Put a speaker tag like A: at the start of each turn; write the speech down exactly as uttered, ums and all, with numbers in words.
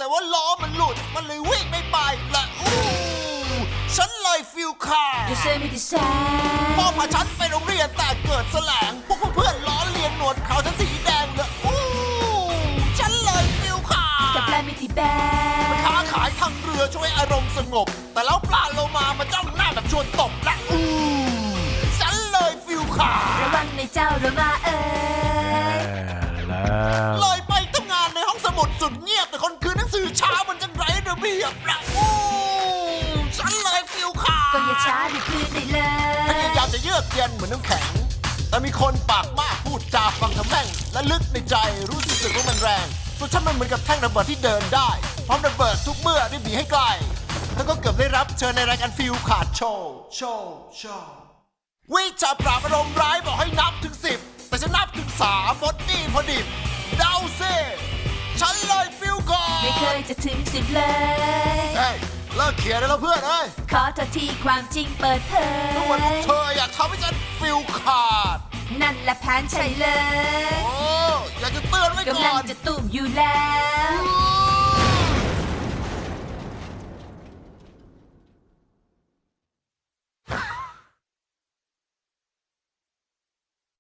A: ว่าล้อมันหลุดมันเลยวิ่งไม่ไปและอู้ฉันเลยฟิลขาด
B: You say me the
A: พ่อ
B: same
A: พาฉันไปโรงเรียนแต่เกิดแสลงพวกเพื่อนล้อเลียนหนวดเขาฉันสีแดงเลยอู้ฉันเลยฟิลขาด
B: กับแลมิที่แบ
A: ค้าขายทางเรือช่วยอารมณ์สงบแต่แล้วปลาโลมามาจ้องหน้าแบบชวนตบและอู้ฉันเลยฟิลขาด
B: ระวังในเจ้าระมาเอ้ย
C: แล้ว
A: เลยไปทำงานในห้องสมุดสุดเงียบแต่คนคืนหนังสือช้ามันจังไร้ระเบียบและอู้ฉันเลยฟิลขาด
B: ก็อย่าช้าดิพื้นได้เล
A: พยาย ยามจะเยือกเย็นเหมือนน้ำแข็งแต่มีคนปากมากพูดจาฟังทำแม่งและลึกในใจรู้สึกว่ามันแรงส่วนฉันมันเหมือนกับแท่งระเบิดที่เดินได้พร้อมระเบิดทุกเมื่อได้บีให้ไกลแล้วก็เกือบได้รับเชิญในรายการฟิลขาดโชว์โชว์โชว์วิชาปราบอารมณ์ร้ายบอกให้นับถึงสิบแต่ฉันนับถึงสามหมดนี่พอดิบเดาซิฉันเลยฟิลก่อน
B: ไม่เคยจะถึงสิบเลย
A: เฮ้ยเลิกเขียนได้แล้วเพื่อนเอ้ย
B: ขอโทษที่ความจริงเปิดเผ
A: ทุกวันพวก
B: ย
A: เธออยากทำให้ฉันฟิลขาด
B: นั่นแหละแผนใช่เลย
A: โอ้อยากจะเตือนไว้ก่
B: กำลัง
A: อน
B: จะตุ่มอยู่แล้ว
A: อู้